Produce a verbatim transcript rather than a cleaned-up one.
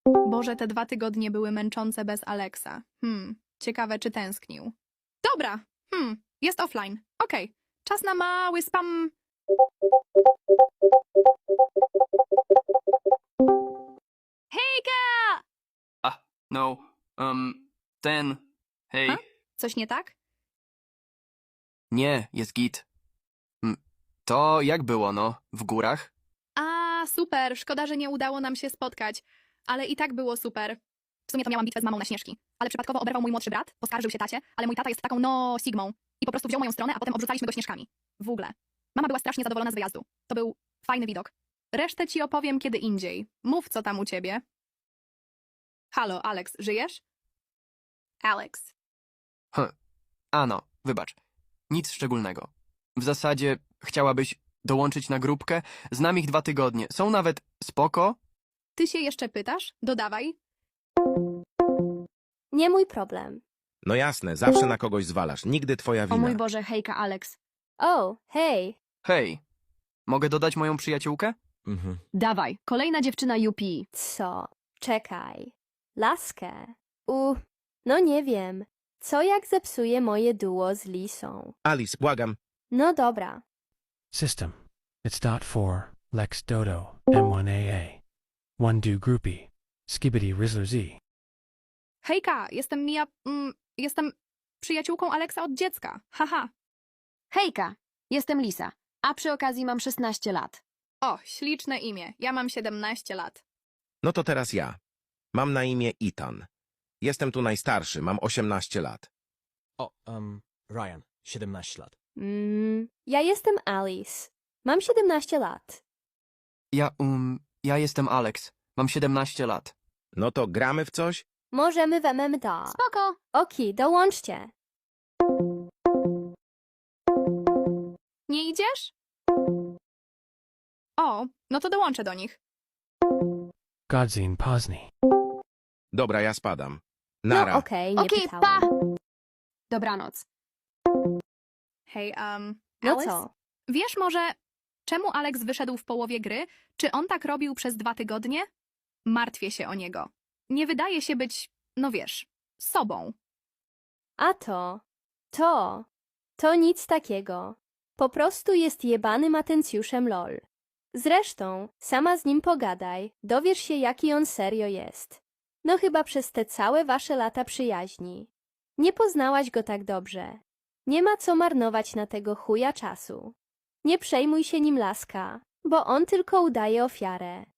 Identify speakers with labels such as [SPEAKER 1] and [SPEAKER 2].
[SPEAKER 1] Boże, te dwa tygodnie były męczące bez Alexa. Hmm, ciekawe, czy tęsknił. Dobra, hmm, jest offline. Okej, czas na mały spam. Hejka!
[SPEAKER 2] A, no, um, ten, hej,
[SPEAKER 1] A? Coś nie tak?
[SPEAKER 2] nie, jest git. Mm, To jak było, no, w górach?
[SPEAKER 1] A, super, szkoda, że nie udało nam się spotkać. Ale i tak było super. W sumie to miałam bitwę z mamą na Śnieżki. Ale przypadkowo oberwał mój młodszy brat, poskarżył się tacie, ale mój tata jest taką no sigmą. I po prostu wziął moją stronę, a potem obrzucaliśmy go śnieżkami. W ogóle. Mama była strasznie zadowolona z wyjazdu. To był fajny widok. Resztę ci opowiem kiedy indziej. Mów, co tam u ciebie. Halo, Alex, żyjesz? Alex.
[SPEAKER 2] Hm, ano, wybacz, nic szczególnego. W zasadzie chciałabyś dołączyć na grupkę? Znam ich dwa tygodnie, są nawet spoko?
[SPEAKER 1] Ty się jeszcze pytasz? Dodawaj.
[SPEAKER 3] Nie mój problem.
[SPEAKER 4] No jasne, zawsze na kogoś zwalasz. Nigdy twoja
[SPEAKER 5] O
[SPEAKER 4] wina.
[SPEAKER 5] mój Boże, hejka, Alex.
[SPEAKER 3] O, hej.
[SPEAKER 2] Hej, mogę dodać moją przyjaciółkę?
[SPEAKER 4] Mhm.
[SPEAKER 5] Dawaj, kolejna dziewczyna U P.
[SPEAKER 3] Co? Czekaj. Laskę. U, no nie wiem. Co jak zepsuje moje duo z Lisą?
[SPEAKER 4] Alice, błagam.
[SPEAKER 3] No dobra.
[SPEAKER 6] System. It's dot four, Lex Dodo, M one A A. One do groupie. Skibbity Rizzler Z.
[SPEAKER 1] Hejka, jestem Mia... Mm, jestem przyjaciółką Alexa od dziecka. Haha.
[SPEAKER 5] Hejka, jestem Lisa, a przy okazji mam szesnaście lat.
[SPEAKER 1] O, śliczne imię. Ja mam siedemnaście lat.
[SPEAKER 4] No to teraz ja. Mam na imię Ethan. Jestem tu najstarszy, mam osiemnaście lat.
[SPEAKER 7] O, um, Ryan, siedemnaście lat.
[SPEAKER 3] Mm, ja jestem Alice. Mam siedemnaście lat.
[SPEAKER 2] Ja, um, ja jestem Alex, mam siedemnaście lat.
[SPEAKER 4] No to gramy w coś?
[SPEAKER 3] Możemy w M M D.
[SPEAKER 5] Spoko.
[SPEAKER 3] Oki, dołączcie.
[SPEAKER 1] Nie idziesz? O, no to dołączę do nich.
[SPEAKER 6] Godzine Posny.
[SPEAKER 4] Dobra, ja spadam.
[SPEAKER 3] No
[SPEAKER 4] Nara.
[SPEAKER 3] okej, nie
[SPEAKER 5] Okej,
[SPEAKER 3] pytałam.
[SPEAKER 5] pa! Dobranoc.
[SPEAKER 1] Hej, um,
[SPEAKER 3] No
[SPEAKER 1] Alice?
[SPEAKER 3] co?
[SPEAKER 1] Wiesz może, czemu Alex wyszedł w połowie gry? Czy on tak robił przez dwa tygodnie? Martwię się o niego. Nie wydaje się być, no wiesz, sobą.
[SPEAKER 3] A to, to, to nic takiego. Po prostu jest jebanym atencjuszem lol. Zresztą, sama z nim pogadaj, dowiesz się jaki on serio jest. No chyba przez te całe wasze lata przyjaźni. Nie poznałaś go tak dobrze. Nie ma co marnować na tego chuja czasu. Nie przejmuj się nim, laska, bo on tylko udaje ofiarę.